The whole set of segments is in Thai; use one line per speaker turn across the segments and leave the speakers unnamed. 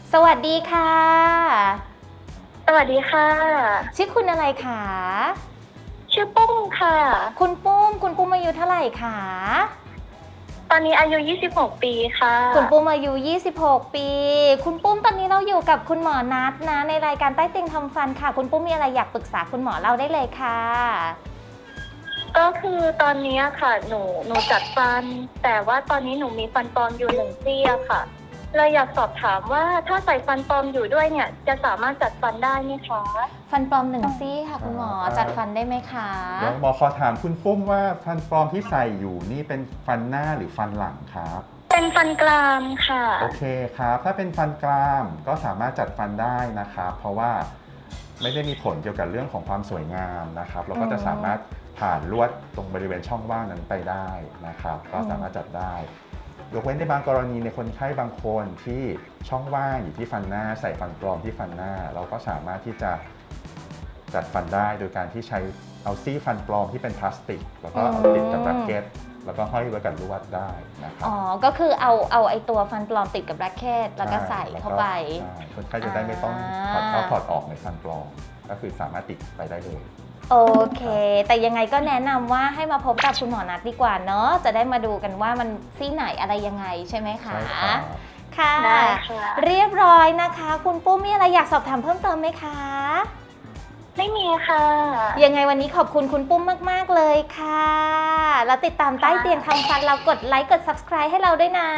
สวัสดีค่ะ
สวัสดีค่ะ
ชื่อคุณอะไรคะ
ชื่อปุ้มค่ะ
คุณปุ้มอายุเท่าไหร่คะ
ตอนนี้อายุ 26 ปีค่ะ
คุณปุ้มอายุ 26 ปี คุณปุ้มตอนนี้เราอยู่กับคุณหมอนัทนะในรายการใต้เตียงทำฟันค่ะ คุณปุ้มมีอะไรอยากปรึกษาคุณหมอเราได้เลยค่ะ
ก็คือตอนนี้ค่ะ หนูจัดฟัน แต่ว่าตอนนี้หนูมีฟันปลอมอยู่1ซี่อะค่ะเลยอยากสอบถามว่าถ้าใส่ฟันปลอมอยู่ด้วยเนี่ยจะสามารถจัดฟันได้ไหมคะ
ฟันปลอม1ซี่ค่ะคุณหมอจัดฟันได้ไหมคะ
เดี๋ยวหมอขอถามคุณปุ้มว่าฟันปลอมที่ใส่อยู่นี่เป็นฟันหน้าหรือฟันหลังครับ
เป็นฟันกรามค่ะ
โอเคครับ ถ้าเป็นฟันกรามก็สามารถจัดฟันได้นะครับ เพราะว่าไม่ได้มีผลเกี่ยวกับเรื่องของความสวยงามนะครับเราก็จะสามารถผ่านลวดตรงบริเวณช่องว่างนั้นไปได้นะครับ ก็สามารถจัดได้ ยกเว้นในบางกรณีในคนไข้บางคนที่ช่องว่างอยู่ที่ฟันหน้าใส่ฟันปลอมที่ฟันหน้า เราก็สามารถที่จะจัดฟันได้โดยการที่ใช้เอาซี่ฟันปลอมที่เป็นพลาสติกแล้วก็เอาติดกับแบคเก็ตแล้วก็ห้อยไว้กับลวดได้นะครับ
อ๋อ ก็คือเอาไอตัวฟันปลอมติดกับแร็คเก็ตแล้วก็ใส่เข้าไป
ใช่คนไข้จะได้ไม่ต้องถอดเข้าถอดออกในฟันปลอมก็คือสามารถติดไปได้เลย
โอเค แต่ยังไงก็แนะนำว่าให้มาพบกับคุณหมอนัทดีกว่าเนาะ จะได้มาดูกันว่ามันซี่ไหนอะไรยังไงใช่ไหมคะ
ใช่ครับ
ค่ะ
ได้ค่ะ
เรียบร้อยนะคะ คุณปุ้มมีอะไรอยากสอบถามเพิ่มเติมไหมคะ
ไม่มีค่ะ
ยังไงวันนี้ขอบคุณคุณปุ้มมากๆเลยค่ะ แล้วติดตามใต้เตียงทำฟันเรากดไลค์กด subscribe ให้เราด้วยนะ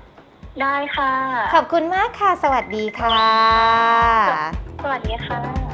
ได้ค่ะ
ขอบคุณมากค่ะ สวัสดีค่ะ
สวัสดีค่ะ